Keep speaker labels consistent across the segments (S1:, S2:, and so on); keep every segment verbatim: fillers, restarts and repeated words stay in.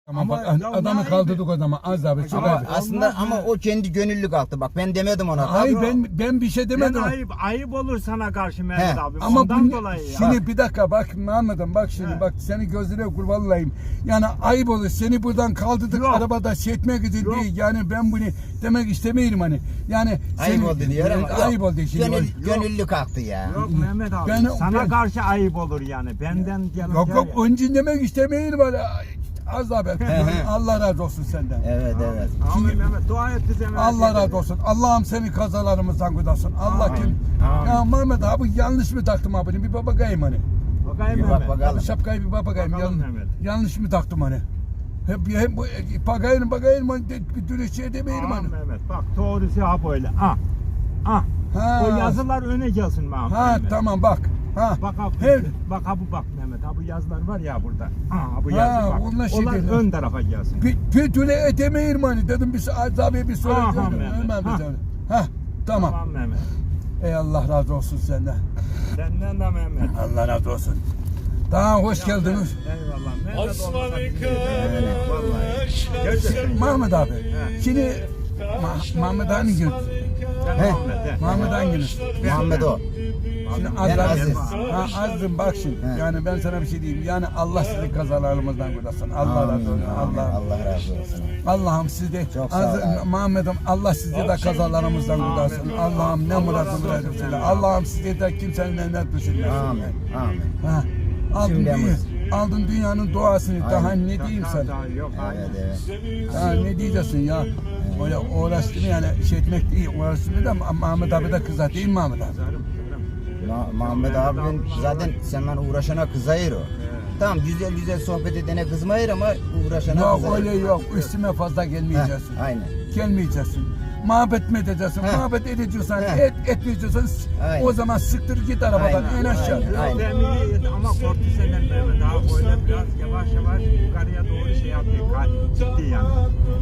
S1: Ama,
S2: Ama
S1: bak
S2: ya
S1: adamı
S2: ne
S1: kaldırdık o zaman az abi çok
S3: Ama
S1: abi.
S3: aslında
S2: Olmaz
S3: ama
S2: ya.
S3: o kendi gönüllü kalktı. Bak ben demedim ona.
S1: Hayır
S3: Tabii.
S1: ben ben bir şey
S2: Ben
S1: demedim.
S2: ayıp, ayıp olur sana karşı Mehmet
S3: He.
S2: abi.
S1: Ama
S2: Ondan
S1: bu,
S2: dolayı ya.
S1: şimdi bir dakika bak Muhammed'im bak şimdi
S2: He.
S1: bak seni gözüne kurban olayım. Yani ayıp olur seni buradan kaldırdık
S2: Yok.
S1: arabada şey etmek için
S2: Yok.
S1: değil. Yani ben bunu demek istemiyorum hani. Yani
S3: Ayıp
S1: seni-
S3: oldu diyor ama.
S1: Evet, ayıp oldu şimdi.
S3: Gönül,
S1: Yok
S3: gönüllü kalktı ya.
S2: Yok Mehmet abi.
S1: Ben-
S2: sana
S1: ben-
S2: karşı ayıp olur yani. Benden gelin
S1: Yok
S2: gel
S1: yok
S2: ya.
S1: önce demek istemiyorum hani. Az daha ben. Allah razı olsun senden.
S3: Evet evet.
S2: Amin Mehmet. Dua et bize Mehmet.
S1: Allah razı olsun. Allah'ım seni kazalarımızdan kurtarsın. Allah
S2: Amin.
S1: kim?
S2: Amin.
S1: Ya Mehmet abi yanlış mı taktım abi? Bir bak bakayım hani.
S2: Bakayım
S3: Bir bak
S2: Mehmet.
S3: bakalım.
S1: Abi şapkayı bir bak bakayım.
S2: Bakalım
S1: Yan-
S2: Mehmet.
S1: yanlış mı taktım hani? Hep hep bu bakayım bakayım hani de- bir türlü şey demeyelim
S2: Aman
S1: hani.
S2: Mehmet bak doğrusu ha böyle. Ah. Ah.
S1: Ha.
S2: O yazılar öne gelsin Mehmet.
S1: Ha
S2: Mehmet.
S1: tamam bak. Ha.
S2: Bak ha,
S1: Her
S2: bak ha bu bak Mehmet. Ha bu yazılar var ya burada. Ha bu
S1: Ha,
S2: yazı bak.
S1: onlar şey
S2: Onlar
S1: değil.
S2: ön tarafa gelsin.
S1: bir, bir türlü edemeyelim hani dedim bir Az abi bir soru
S2: Aha,
S1: dedim.
S2: Mehmet,
S1: Hemen bir
S2: ha.
S1: tane. Ha tamam.
S2: Tamam Mehmet.
S1: Ey Allah razı olsun senden.
S2: Senden de Mehmet.
S1: Allah razı olsun. Daha hoş geldiniz.
S2: Eyvallah. Mehmet
S4: Osman
S2: olmasa bizi
S4: Kılıç.
S2: yedirmez. Vallahi. Gerçekten.
S1: Mahmut abi.
S2: He.
S1: Şimdi Ma- Mahmut hangi gün?
S2: Sen
S3: He.
S2: Muhammed, he.
S1: Mahmut hangi gün?
S3: Muhammed o.
S1: Şimdi
S3: Ben
S1: Allah-
S3: Aziz.
S1: Ha, azdım bak şimdi.
S3: He.
S1: Yani ben sana bir şey diyeyim. Yani Allah sizi kazalarımızdan kurtarsın. Allah razı
S3: Amin,
S1: olsun.
S3: amin.
S1: Allah.
S3: Allah razı olsun.
S1: Allah'ım sizi de
S3: Çok sağ ol
S1: Aziz-
S3: abi.
S1: Muhammed'im Allah sizi de kazalarımızdan kurtarsın.
S2: Amin.
S1: Allah'ım ne
S2: Allah
S1: muradını
S2: razı olsun.
S1: verirsin. Allah'ım sizi de kimsenin elinden düşürmesin.
S3: Amin. Amin.
S1: Ha. Aldın,
S3: Şimdi
S1: dünya,
S3: yalnız-
S1: aldın dünyanın duasını. Daha
S3: Aynen.
S1: ne diyeyim
S2: Daha-
S1: sana?
S2: daha Yok
S3: Evet
S2: aynen.
S3: evet.
S1: Ya ne diyeceksin ya? Öyle uğraştım yani şey etmek değil. Uğraştım da Mahmut abi de kızar değil mi Mahmut abi?
S2: Kızarım, kızarım.
S3: Ma- Muhammed abinin zaten senden uğraşana kızayır o. Tamam güzel güzel sohbet edene kızmayır ama uğraşana
S1: Yok
S3: kızayır.
S1: öyle yok. Üstüme fazla gelmeyeceksin.
S3: Heh, aynen.
S1: Gelmeyeceksin. Muhabbet mi edeceksin?
S3: Heh.
S1: Muhabbet edeceksen,
S3: Heh.
S1: et, etmeyeceksen
S3: Aynen.
S1: o zaman sıktır git arabadan
S3: Aynen,
S1: en aşağı.
S3: aynen.
S2: Yok demiri ama korktu senden Mehmet. Daha böyle biraz yavaş yavaş yukarıya doğru şey yaptı. Ka- Gitti yani.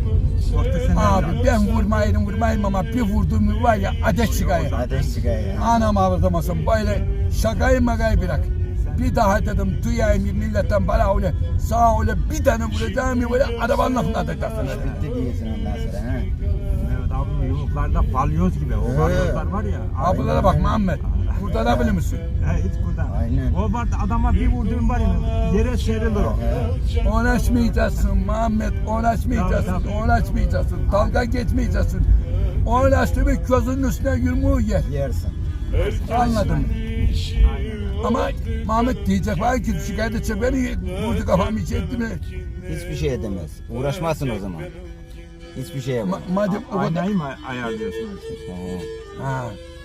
S2: Korktu senden
S1: Abi
S2: biraz.
S1: ben vurmayırım vurmayırım ama bir vurduğum mu var ya ateş çıkıyor.
S3: Ateş çıkıyor ya.
S1: Anam ağırdamasın böyle şakayı makayı bırak. Bir daha dedim duyayım milletten bana öyle sağa öyle bir tane vuracağım ya böyle arabanın lafına atacaksın.
S3: Bitti diyorsun ondan sonra. He.
S2: Mehmet abi yumruklarda balyoz gibi. O
S3: Ee.
S2: balyozlar var ya.
S1: Abilara bak Muhammed. Kurtarabilir misin?
S2: He hiç buradan.
S3: Aynen.
S2: O var adama bir vurduğun var ya yere serilir o.
S1: Uğraşmayacaksın Muhammed, uğraşmayacaksın,
S2: Tabii, tabii.
S1: uğraşmayacaksın, dalga geçmeyeceksin. Uğraştı bir gözünün üstüne yürümeyi yer.
S3: Yersin.
S1: Anladın mı?
S2: Aynen.
S1: Ama Muhammed diyecek var ki şikayet edecek beni vurdu kafamı içi etti mi?
S3: Hiçbir şey edemez. Uğraşmazsın o zaman. Hiçbir şey yapamaz.
S1: Ma- madem o kadar...
S2: Aynayı mı ayarlıyorsunuz?
S3: He.
S1: Ha,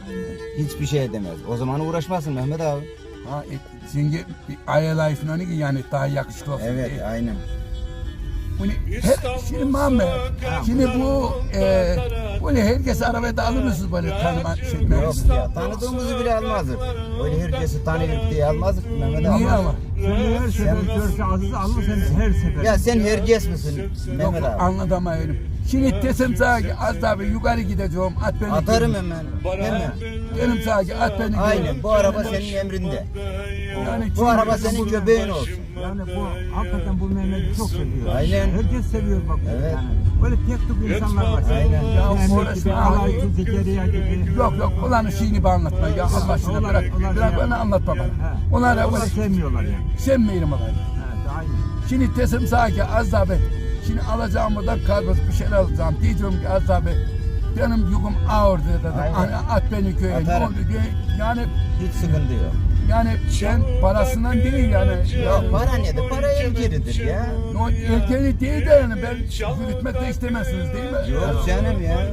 S3: Hiçbir şey edemez. O zaman uğraşmazsın Mehmet abi.
S1: ha, e, şimdi ayalay falan ki yani daha yakışıklı olsun
S3: Evet
S1: diye.
S3: aynen.
S1: Bunu her, şimdi Muhammed, şimdi bu e, böyle herkes arabaya da alır mısınız böyle tanıma şey
S3: Yok
S1: etmemiz?
S3: ya tanıdığımızı bile almazdık. Öyle herkesi tanıyıp diye almazdık Mehmet abi.
S1: Niye ama?
S2: Seni her sefer
S3: Sen-
S2: görse Aziz alır seni her sefer.
S3: Ya sen herkes misin
S1: Yok
S3: Mehmet abi?
S1: anlatamıyorum. Şimdi desem sana ki az daha bir yukarı gideceğim at beni.
S3: Atarım
S1: götür.
S3: hemen. Hemen.
S1: Dedim sana ki at beni.
S3: Aynen
S1: götür.
S3: bu araba senin emrinde.
S1: Yani
S3: Bu
S1: çünkü-
S3: araba senin göbeğin olsun.
S2: Yani bu hakikaten bu Mehmet'i çok seviyor.
S3: Aynen.
S2: Herkes seviyor bak.
S3: Evet.
S2: Yani. Böyle tek tük insanlar var.
S3: Aynen.
S1: Ya
S2: Mehmet
S1: orası-
S2: gibi, Alaycı, Zekeriya gibi.
S1: Yok yok ulan şeyini bir anlatma ya Allah aşkına
S2: Onlar-
S1: bırak.
S2: onlar
S1: Bırak
S2: şey
S1: bana anlatma bana.
S2: He.
S1: Onlara
S2: Onlar
S1: böyle
S2: sevmiyorlar yani.
S1: sevmeyelim olayı.
S2: Evet, aynen.
S1: Şimdi desem sana ki az daha bir şimdi alacağım buradan kargoz bir şeyler alacağım. Diyeceğim ki az daha bir benim yüküm ağır dedim.
S3: Aynen.
S1: Hani at beni köye. Ne
S3: Atarım.
S1: oldu diye. Yani
S3: Hiç sıkıntı yok.
S1: yani ben parasından değil yani.
S3: Ya para nedir? Para el kiridir ya.
S1: O erkeği değil de yani ben yürütmek de istemezsiniz değil mi?
S3: Yok canım ya.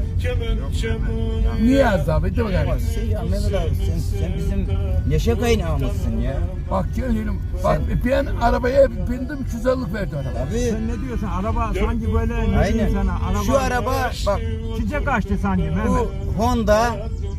S1: Niye az abi? De bakalım.
S3: Bak şey ya Mehmet abi sen, sen bizim neşe kaynağımızsın ya.
S1: Bak geliyorum. Bak ben arabaya bindim güzellik verdi araba.
S3: Tabii.
S2: Sen ne diyorsun? Araba sanki böyle ne diyeyim
S3: Aynen.
S2: sana? Araba,
S3: Şu araba bak
S2: çiçek açtı sanki Mehmet.
S3: bu Honda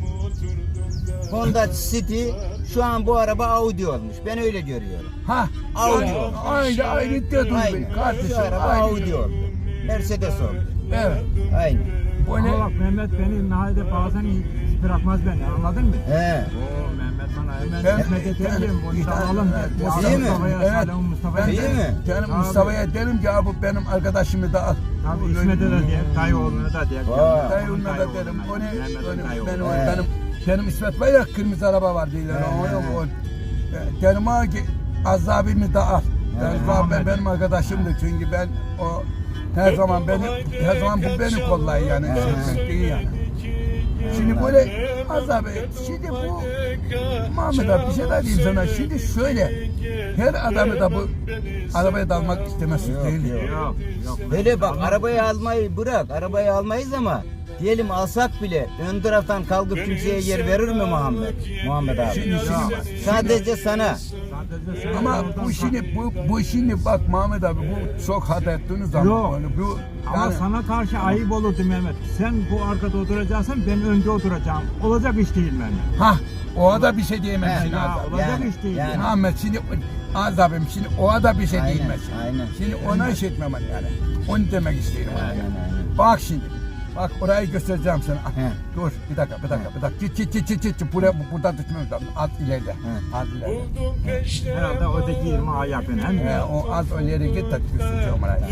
S3: Honda City şu an bu araba Audi olmuş. Ben öyle görüyorum.
S1: Ha.
S3: Audi
S1: Aynı
S3: oldu.
S1: aynı aynı dedin
S3: Aynen.
S1: beni kardeşim.
S3: Şu araba
S1: Aynı.
S3: Audi oldu. Mercedes oldu.
S1: Evet.
S3: Aynen.
S1: Bu
S2: Ama
S1: ne?
S2: bak Mehmet beni nahide bazen hiç bırakmaz beni anladın mı?
S3: He.
S2: Oo Mehmet Mehmet bana hemen
S1: Ben-
S2: hizmet edelim.
S1: ben-
S2: Mustafa'lım.
S1: Evet,
S3: değil mi?
S2: Mustafa'ya,
S1: Evet.
S2: Salih'in Mustafa'ya.
S1: Ben
S3: İyi
S1: de,
S3: mi?
S1: yani
S2: Tabii.
S1: Mustafa'ya derim ki abi benim arkadaşımı da al.
S2: Tabii İsmet'e de diye, dayıoğluna da diye.
S3: Vay.
S1: Dayımla da
S2: Dayıoğluna,
S1: derim. O ne?
S2: Mehmet'in
S1: o ne-
S2: dayıoğlu.
S1: Benim, o-
S3: He.
S1: benim, benim İsmet var ya kırmızı araba var diyorlar.
S3: He,
S1: O yok
S3: he.
S1: o. E, Derim abi ki az abimi de al. Ben,
S2: He.
S1: ben benim arkadaşımdı çünkü ben o her zaman beni her zaman bu beni kollayı yani.
S3: He.
S1: Şey değil yani. Şimdi böyle az abi şimdi bu Muhammed abi bir şey daha diyeyim sana. Şimdi şöyle her adamı da bu arabaya dalmak istemezsin
S3: Yok,
S1: değil.
S3: yok.
S2: Yok, yok.
S3: Böyle bak arabayı almayı bırak. Arabayı almayız ama diyelim alsak bile ön taraftan kalkıp kimseye yer verir mi Muhammed? Muhammed abi.
S1: Şimdi- şimdi-
S3: Sadece sana.
S2: Sadece sen
S1: Ama
S2: oradan
S1: bu
S2: sağ-
S1: şimdi bu bu şimdi bak Muhammed abi bu çok hata ettiğiniz zaman
S2: Yok.
S1: böyle bu
S2: Ama
S1: yani
S2: sana karşı ayıp olurdu Mehmet. Sen bu arkada oturacaksın, ben önde oturacağım. Olacak iş değil Mehmet.
S1: ha o da bir şey diyemezsin
S3: He,
S2: Ya,
S1: az abi.
S2: olacak
S3: Yani,
S2: iş değil.
S3: yani.
S1: Muhammed şimdi az abim şimdi o da bir şey
S3: Aynen,
S1: diyemezsin.
S3: aynen.
S1: Şimdi ona iş etmem yani. Onu demek istiyorum. yani.
S3: Aynen, aynen.
S1: Bak şimdi. Bak orayı göstereceğim sana. Ah,
S3: He.
S1: Dur bir dakika bir dakika bir dakika. Git git git git git. Buraya buradan düşmemiz lazım. Az ileride.
S3: He.
S1: Az ileride.
S2: Herhalde öteki yirmi ay yapın. Hem
S1: He,
S2: de.
S1: o az ileri git de göstereceğim orayı.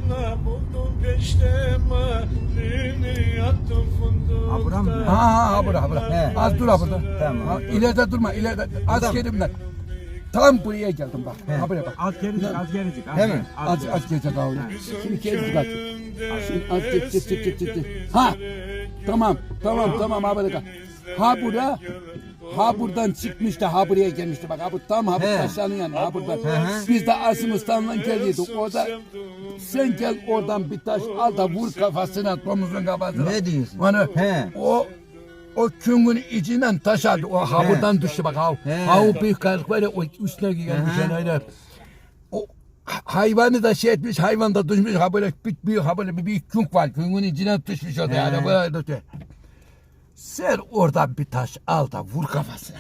S2: Ha buram mı?
S1: Ha ha ha bura bura.
S3: He.
S1: Az dur ha burada.
S3: Tamam.
S1: Ha, ileride durma ileride. Az
S3: Tamam.
S1: gerimden. Tam buraya geldim bak.
S3: He.
S1: Ha buraya bak.
S2: Az gericik, az gericik. az
S3: Değil mi?
S2: gericik,
S1: Az
S2: gericik.
S1: az gelecek abi. Şimdi gelecek az. Şimdi az git git git git git. Ha. Tamam tamam tamam ha böyle. Ha bura. Ha buradan çıkmış da ha buraya gelmişti bak. Ha bu tam ha bu
S3: He.
S1: taşların yanı ha buradan.
S3: hı.
S1: Biz de Asimistan'dan geliyorduk. Orada sen gel oradan bir taş al da vur kafasına domuzun kafasına.
S3: Ne diyorsun?
S1: Hani
S3: He.
S1: o o küngün içinden taş aldı. O ha
S3: He.
S1: buradan düştü bak ha.
S3: He.
S1: Ha o büyük kayalık var ya o üstüne gelmiş
S3: Hı hı.
S1: yani öyle. O hayvanı da şey etmiş, hayvan da düşmüş. Ha böyle bir büyük ha böyle bir büyük künk var. Küngün içine düşmüş orada
S3: He.
S1: yani böyle. Sen oradan bir taş al da vur kafasına.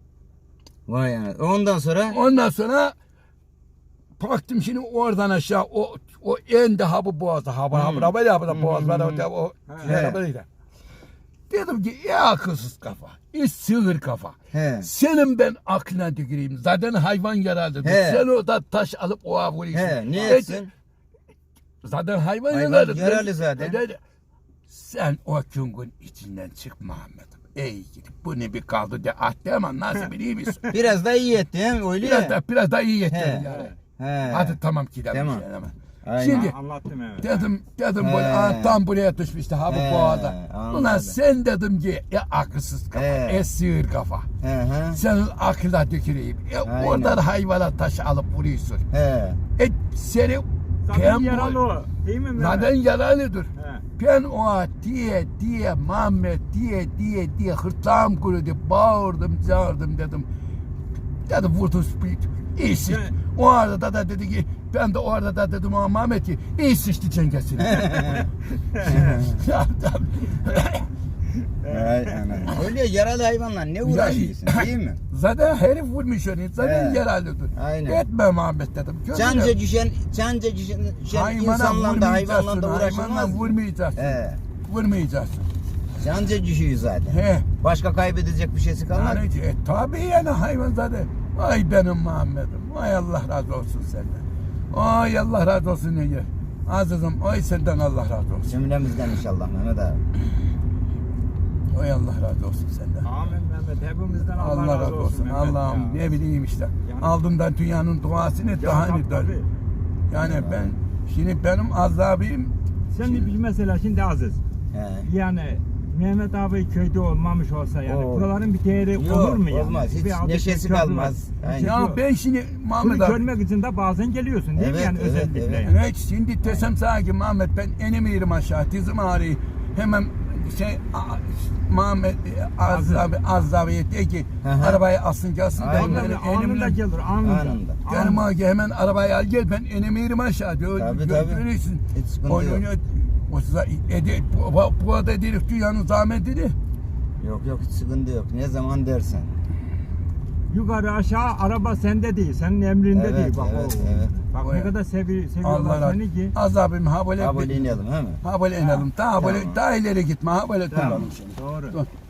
S3: Vay yani. Ondan sonra
S1: Ondan sonra baktım şimdi oradan aşağı o o en de ha bu boğazda ha bu ha bu ha böyle ha bu da boğaz var o o
S3: He.
S1: şey böyle. Dedim ki ya akılsız kafa, ya sığır kafa.
S3: He.
S1: Senin ben aklına tüküreyim. Zaten hayvan yaralıdır.
S3: He.
S1: Sen orada taş alıp oğa vuruyorsun.
S3: he ne
S1: Dedi,
S3: etsin?
S1: Zaten hayvan,
S3: Hayvan
S1: yaralı.
S3: yaralı zaten.
S1: Dedi, sen o küngün içinden çık Muhammed'im. Ey gidip bu ne bir kaldı de ah demem nasıl biliyor musun?
S3: Biraz da iyi etti he mi? Öyle
S1: biraz
S3: ya.
S1: da biraz da iyi
S3: He.
S1: yettirdin yani.
S3: He.
S1: Hadi tamam gidelim.
S3: Tamam.
S1: şey hemen.
S3: Aynen.
S1: Şimdi
S2: Anlattım evet.
S1: dedim dedim
S3: He.
S1: böyle ah, tam buraya düşmüştü ha bu
S3: He,
S1: boğaza.
S3: anladım.
S1: Ulan sen dedim ki ya akılsız kafa,
S3: He.
S1: e sığır kafa.
S3: He he.
S1: Senin aklına tüküreyim. E,
S3: Aynen.
S1: oradan hayvana taş alıp vuruyorsun.
S3: He.
S1: E seni
S2: Zaten
S1: ben
S2: yaralı
S1: bu-
S2: o. Değil mi Mehmet?
S1: Zaten yaralıdır.
S2: He.
S1: Ben o diye diye Muhammed diye diye diye hırtlağım kurudu. Bağırdım çağırdım dedim. Dedim vurdum iyi sıçtı.
S2: Evet.
S1: O arada da dedi ki ben de o arada da dedim o Muhammed ki iyi sıçtı cengesini.
S3: Ay ana. Öyle yaralı hayvanla ne uğraşıyorsun değil mi?
S1: Zaten herif vurmuş onu. Zaten
S3: He.
S1: yaralıdır.
S3: Aynen.
S1: Etme Muhammed dedim. Gözüne-
S3: Canca düşen, canca düşen, düşen
S1: Hayvana
S3: insanla da hayvanla
S1: vurmayacaksın.
S3: da
S1: Hayvanla
S3: uğraşılmaz.
S1: vurmayacaksın.
S3: He.
S1: Vurmayacaksın.
S3: Canca düşüyor zaten.
S1: He.
S3: Başka kaybedecek bir şeysi kalmadı.
S1: Yani e, tabii yani hayvan zaten. Ay benim Muhammed'im. Ay Allah razı olsun senden. Ay Allah razı olsun Ege. Azizim ay senden Allah razı olsun.
S3: Cümlemizden inşallah Mehmet abi.
S1: Ay Allah razı olsun senden.
S2: Amin Mehmet. Hepimizden Allah,
S1: Allah razı olsun.
S2: Mehmet
S1: Allah'ım
S2: ya.
S1: ne bileyim işte.
S2: Yani-
S1: Aldığımdan dünyanın duasını
S2: Ya,
S1: daha
S2: tabii,
S1: ne der.
S2: tabii.
S1: Yani ben şimdi benim azabim
S2: Sen bir mesela şimdi Aziz.
S3: He.
S2: Yani Mehmet abi köyde olmamış olsa yani
S3: Oo.
S2: buraların bir değeri
S3: Yok,
S2: olur mu yani?
S3: olmaz. Hiç
S2: Bir adet
S3: neşesi
S2: köprü var.
S3: kalmaz. Aynen.
S1: ya ben şimdi Muhammed
S2: Bunu
S1: abi
S2: görmek için de bazen geliyorsun değil mi
S3: Evet,
S2: yani
S3: evet,
S2: özellikle
S3: evet.
S2: yani?
S1: evet şimdi desem sana ki Muhammed ben enemiyorum aşağı dizim ağrıyor. Hemen şey a- Muhammed az abi az abi de ki
S3: Hı hı.
S1: arabayı alsın gelsin
S3: Aynen.
S1: ben
S2: Ondan
S1: benim
S2: anında
S1: enimle
S2: gelir anında.
S3: Anında.
S1: Canım abi hemen arabayı al gel ben enemiyorum aşağı diyor.
S3: Tabii,
S1: Gö-
S3: tabii.
S1: görüyorsun.
S3: Hiç sıkıntı
S1: Oyun
S3: yok.
S1: oynuyor. O size ede, bu, bu, bu arada dedik dünyanın zahmetini.
S3: Yok yok hiç sıkıntı yok. Ne zaman dersen.
S2: Yukarı aşağı araba sende değil, senin emrinde
S3: Evet,
S2: değil. Bak,
S3: evet,
S2: o-
S3: evet.
S2: Bak
S1: O
S2: ne
S1: ya.
S2: kadar sevi,
S1: Allah
S2: seviyorlar
S1: razı
S2: seni ki.
S1: Az abim ha böyle
S3: Abone inelim he mi?
S1: ha böyle inelim. Daha böyle
S3: Tamam.
S1: daha ileri gitme ha böyle
S2: Tamam.
S1: duralım şimdi.
S2: Doğru.
S1: Dur.